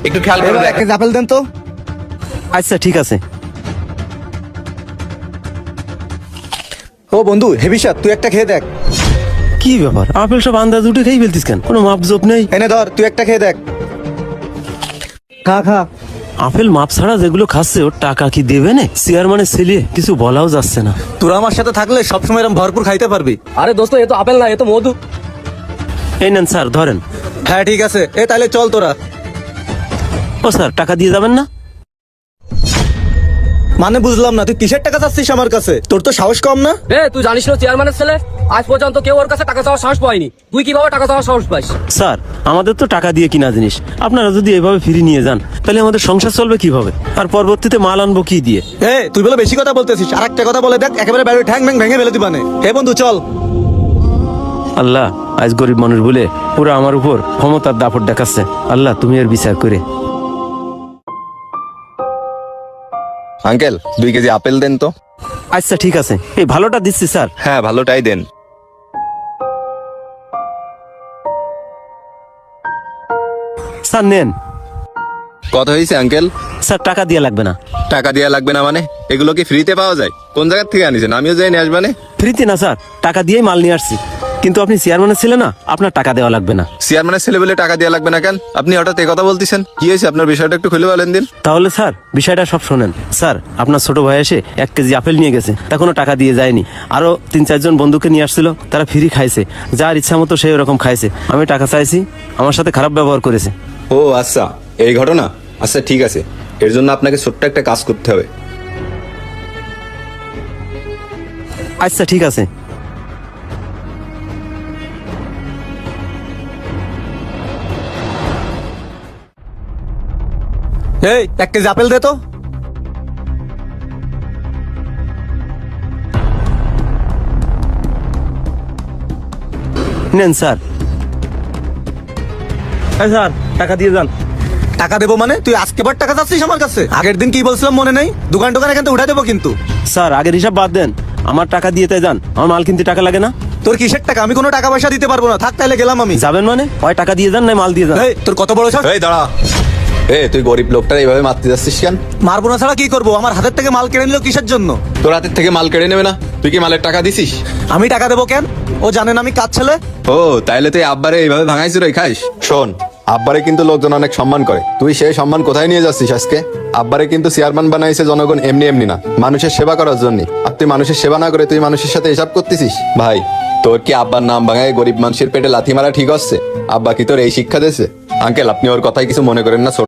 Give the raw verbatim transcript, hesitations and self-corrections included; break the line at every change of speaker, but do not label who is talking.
একটু খেয়াল করে দেখ।
এক কেজি আপেল দেন তো।
আচ্ছা ঠিক আছে।
ও বন্ধু হেভি স্বাদ, তুই একটা খেয়ে দেখ।
কি ব্যাপার, আপেল সব আন্দাজ উঠে খেয়ে ফেলতিস কেন? কোনো মাপ জোপ নেই?
এনে ধর, তুই একটা খেয়ে দেখ। খা খা।
আপেল মাপ ছাড়া যেগুলো খাচ্ছে ওর টাকা কি দেবে না? চেয়ারম্যানের ছেলে, কিছু বলাও যাচ্ছে না।
তোরা আমার সাথে থাকলে সবসময় এরকম ভরপুর খাইতে পারবি।
আরে দোস্ত, এ তো আপেল না, এ তো মধু।
এই নেন স্যার, ধরেন।
হ্যাঁ ঠিক আছে, এ তাহলে চল তোরা।
ও স্যার, টাকা দিয়ে যাবেন না?
মানে বুঝলাম না, তুই কিসের টাকা চাচ্ছিস আমার কাছে? তোর তো সাহস কম না?
এ তুই জানিস না চেয়ারম্যানের ছেলে? আজ পর্যন্ত কেউ ওর কাছে টাকা চাওয়ার সাহস পায়নি, তুই কিভাবে টাকা চাওয়ার সাহস পাইস?
স্যার, আমাদের তো টাকা দিয়ে কিনা জিনিস, আপনারা যদি এভাবে ফিরে নিয়ে যান তাহলে আমাদের সংসার চলবে কিভাবে? আর পরবর্তীতে মাল আনবো কি দিয়ে?
এ তুই বলে বেশি কথা বলতেছিস, আর একটা কথা বলে দেখ, একেবারে বাইরে ঠ্যাং ম্যাং ভেঙে ফেলে দিবানে। হে বন্ধু চল।
আল্লাহ, আজ গরিব মানুষ বলে পুরো আমার উপর ক্ষমতার দাপট দেখাচ্ছে। আল্লাহ, তুমি এর বিচার করে।
আঙ্কেল, দুই কেজি আপেল দেন তো।
আচ্ছা ঠিক আছে, এই ভালোটা দিচ্ছি স্যার।
হ্যাঁ, ভালোটাই দেন।
স্যার নেন।
কত হয়েছে আঙ্কেল?
স্যার টাকা দিয়ে লাগবে না।
টাকা দেওয়া লাগবে না মানে? এগুলো কি ফ্রিতে পাওয়া যায়? কোন জায়গা থেকে আনিছেন? আমিও যাই নিয়ে আসবানে।
ফ্রিতে না স্যার, টাকা দিয়েই মাল নিয়ে আসছি। কিন্তু আপনি চেয়ারম্যানের ছেলে না, আপনার টাকা দেওয়া লাগবে না।
চেয়ারম্যানের ছেলে বলে টাকা দেওয়া লাগবে না কেন? আপনি হঠাৎ এই কথা বলতেছেন, কি হয়েছে? আপনার বিষয়টা একটু খুলে বলেন দিন।
তাহলে স্যার বিষয়টা সব শোনেন। স্যার, আপনার ছোট ভাই এসে এক কেজি আপেল নিয়ে গেছে, তা কোনো টাকা দিয়ে যায়নি। আরো তিন চারজন বন্ধুকে নিয়ে আসছিল, তারা ফ্রি খাইছে, যার ইচ্ছা মতো সেই ওরকম খাইছে। আমি টাকা চাইছি, আমার সাথে খারাপ ব্যবহার করেছে।
ও আচ্ছা, এই ঘটনা। আচ্ছা ঠিক আছে, এর জন্য আপনাকে ছোট্ট একটা কাজ করতে হবে।
আচ্ছা ঠিক আছে।
এই এক কেজি আপেল দে তো।
নেন স্যার। হ্যাঁ স্যার, টাকা দিয়ে যান।
টাকা দেবো মানে? তুই আজকে বার টাকা চাচ্ছিস আমার কাছে? আগের দিন কি বলছিলাম মনে নেই? দোকান টোকান এখান থেকে উঠে দেবো কিন্তু।
স্যার, আগের হিসাব বাদ দেন, আমার টাকা দিয়ে তাই যান। আমার মাল কিনতে টাকা লাগে না।
তোর কিসের টাকা? আমি কোনো টাকা পয়সা দিতে পারবো না, থাক তাহলে গেলাম আমি।
যাবেন মানে? ওই টাকা দিয়ে যান, নাই মাল দিয়ে যান।
এই তোর কত বড় সাহস?
এই দাঁড়া। এ তুই গরিব লোকটা এইভাবে মারতে যাচ্ছিস কেন?
মারবো না ছাড়া কি করবো? আমার হাতের থেকে মাল কেড়ে নিল কিসের জন্য?
তোর হাতের থেকে মাল কেড়ে নেবে না? তুই কি মালের টাকা দিছিস?
আমি টাকা দেবো কেন? ও জানেন আমি কাজ ছেলে।
ও তাইলে তুই আব্বারে এইভাবে ভাঙাইছিস রে খাইস? শোন, আব্বারে কিন্তু লোকজন অনেক সম্মান করে, তুই সেই সম্মান কোথায় নিয়ে যাচ্ছিস আজকে? আব্বারে কিন্তু চেয়ারম্যান বানাইছে জনগণ এমনি এমনি না, মানুষের সেবা করার জন্য। আর তুই মানুষের সেবা না করে তুই মানুষের সাথে হিসাব করতেছিস? ভাই, তোর কি আব্বার নাম ভাঙায় গরিব মানুষের পেটে লাথি মারা ঠিক হচ্ছে? আব্বা কি তোর এই শিক্ষা দিয়েছে? আঙ্কেল, আপনি ওর কথায় কিছু মনে করেন না।